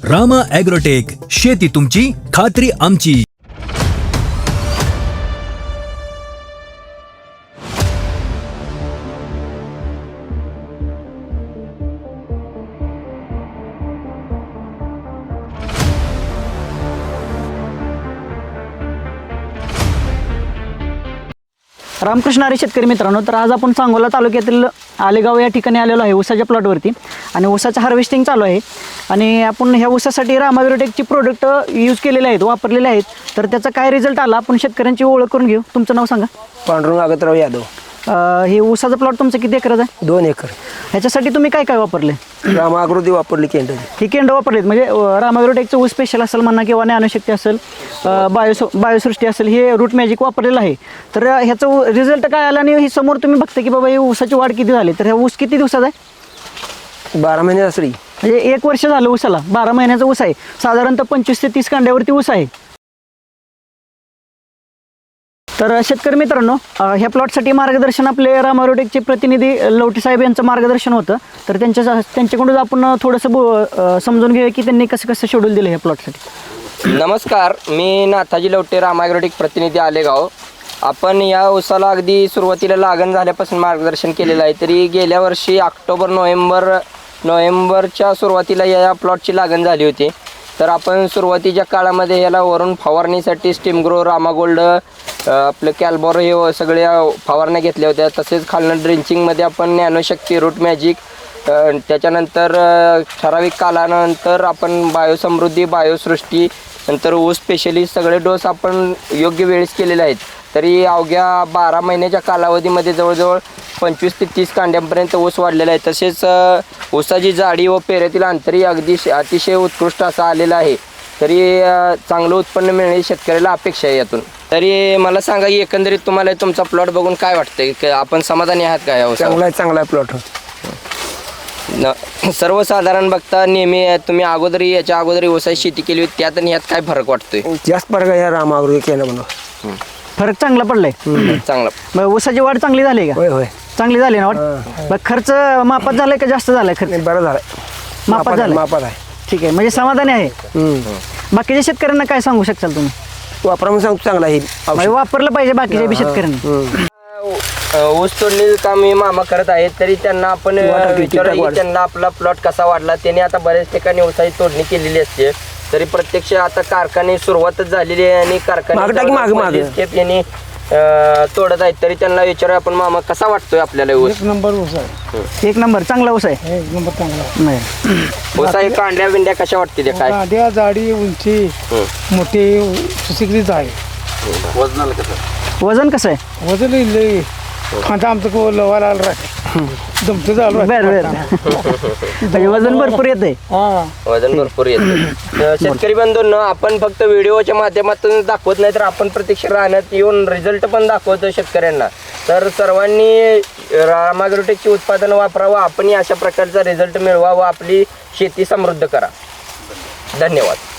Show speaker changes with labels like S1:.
S1: Rama agrotech, शेती तुमची, खात्री आमची.
S2: रामकृष्ण हरी शेतकरी मित्रांनो, तर आज आपण सांगोला तालुक्यातील आलेगाव या ठिकाणी आलेलो आहे ऊसाच्या प्लॉटवरती. आणि ऊसाचं हार्वेस्टिंग चालू आहे आणि आपण ह्या ऊसासाठी रामा ॲग्रोटेकची प्रोडक्ट यूज केलेले आहेत, वापरलेले आहेत. तर त्याचा काय रिझल्ट आला आपण शेतकऱ्यांची ओळख करून घेऊ. तुमचं नाव सांगा.
S3: पांडुरंग आगतराव यादव.
S2: हे ऊसाचा प्लॉट तुमचं किती एकराचा आहे?
S3: 2 एकर.
S2: ह्याच्यासाठी तुम्ही काय काय वापरले?
S3: रामा ॲग्रोटेक वापरली केंद्र.
S2: ही केंड वापरलीत म्हणजे रामा ॲग्रोटेकचं ऊस स्पेशल असेल म्हणा किंवा ज्ञानशक्ती असेल, बायोसृष्टी असेल, हे रूट मॅजिक वापरलेलं आहे. तर ह्याचं रिझल्ट काय आला आणि ही समोर तुम्ही बघता की बाबा ही ऊसाची वाढ किती झाली. तर ह्या ऊस किती दिवसाचा आहे?
S3: 12 महिने असली
S2: म्हणजे 1 वर्ष झालं ऊसाला. 12 महिन्याचा ऊस आहे. साधारणतः 25 ते 30 कांड्यावरती ऊस आहे. तर शेतकरी मित्रांनो, ह्या प्लॉटसाठी मार्गदर्शन आपले रामा ॲग्रोटेकचे प्रतिनिधी लवटे साहेब यांचं मार्गदर्शन होतं. तर त्यांच्याकडून आपण थोडंसं समजून घेऊया की त्यांनी कसं कसं शेड्यूल दिलं ह्या प्लॉटसाठी.
S4: नमस्कार, मी नाथाजी लवटे, रामा ॲग्रोटेक प्रतिनिधी आलेगाव. आपण या ऊसाला अगदी सुरुवातीला लागण झाल्यापासून मार्गदर्शन केलेलं आहे. तरी गेल्या वर्षी ऑक्टोबर नोव्हेंबरच्या सुरुवातीला या प्लॉटची लागण झाली होती. तर आपण सुरुवातीच्या काळामध्ये याला वरून फवारणीसाठी स्टीम ग्रो, रामा गोल्ड, आपलं कॅल्बॉर हे सगळ्या फवारण्या घेतल्या होत्या. तसेच खालनं ड्रिंचिंगमध्ये आपण ज्ञानशक्ती, रूट मॅजिक, त्याच्यानंतर ठराविक कालानंतर आपण बायोसमृद्धी, बायोसृष्टी, नंतर ऊस स्पेशलिस्ट सगळे डोस आपण योग्य वेळेस केलेले आहेत. तरी अवघ्या 12 महिन्याच्या कालावधीमध्ये जवळजवळ 25 ते 30 कांड्यांपर्यंत ऊस वाढलेला आहे. तसेच ऊसाची जाडी व पेऱ्यातील अंतरही अतिशय उत्कृष्ट असा आलेला आहे. तरी चांगलं उत्पन्न मिळणे शेतकऱ्याला अपेक्षा आहे यातून. तरी मला सांगा की एकंदरीत तुम्हाला तुमचा प्लॉट बघून काय वाटतंय, की आपण समाधानी आहात का या ऊसावर?
S3: चांगला प्लॉट.
S4: सर्वसाधारण बघता नेहमी तुम्ही याच्या अगोदर ऊसाची शेती केली होती, त्यात आणि यात काय फरक वाटतोय?
S3: जास्त फरक आहे या रामा ॲग्रोटेक केलं म्हणून.
S2: फरक चांगला पडलाय.
S4: चांगला.
S2: मग ऊसाची वाढ चांगली झाली का?
S3: होय.
S2: चांगली झाली ना वाढ. मग खर्च मापात झालाय का जास्त झालाय खर्च?
S3: बरं झालं.
S2: मापात झालं.
S3: मापात आहे.
S2: ठीक आहे, म्हणजे समाधानी आहे. बाकीच्या शेतकऱ्यांना काय सांगू शकाल तुम्ही?
S3: वापरा म्हणून सांगतो चांगला आहे.
S2: म्हणजे वापरलं पाहिजे बाकीच्या बी शेतकऱ्यांना.
S4: ऊस तोडणी काम हे मामा करत आहेत. तरी त्यांना आपण विचारूया की त्यांना आपला प्लॉट कसा वाढला. त्यांनी आता बऱ्याच ठिकाणी ऊसाची तोडणी केलेली असते. तरी प्रत्यक्ष आता कारखाने सुरुवातच झालेली आहे आणि कारखाने तोडत आहेत. तरी त्यांना विचारूया आपण, मामा कसा वाटतोय आपल्याला ऊस?
S5: 1 नंबर ऊस आहे.
S2: 1 नंबर चांगला ऊस आहे.
S5: 1 नंबर चांगला.
S2: नाही
S4: ऊसा हे कांड्या बिंड्या कशा वाटते ते काय?
S5: कांड्या, जाडी, उंची, मोठी सुशिक्षित आहे.
S2: वजन कसं आहे?
S5: वजन लई खांदा आमचं लवायला आलं राहते. जमतं झालं.
S2: बर म्हणजे वजन भरपूर येते.
S4: वजन भरपूर येतं. शेतकरी बंधूंनो, आपण फक्त व्हिडिओच्या माध्यमातून दाखवत नाही तर आपण प्रत्यक्ष राहण्यात येऊन रिझल्ट पण दाखवतो शेतकऱ्यांना. तर सर्वांनी रामा ॲग्रोटेकची उत्पादनं वापरावं, आपणही अशा प्रकारचा रिझल्ट मिळवा व आपली शेती समृद्ध करा. धन्यवाद.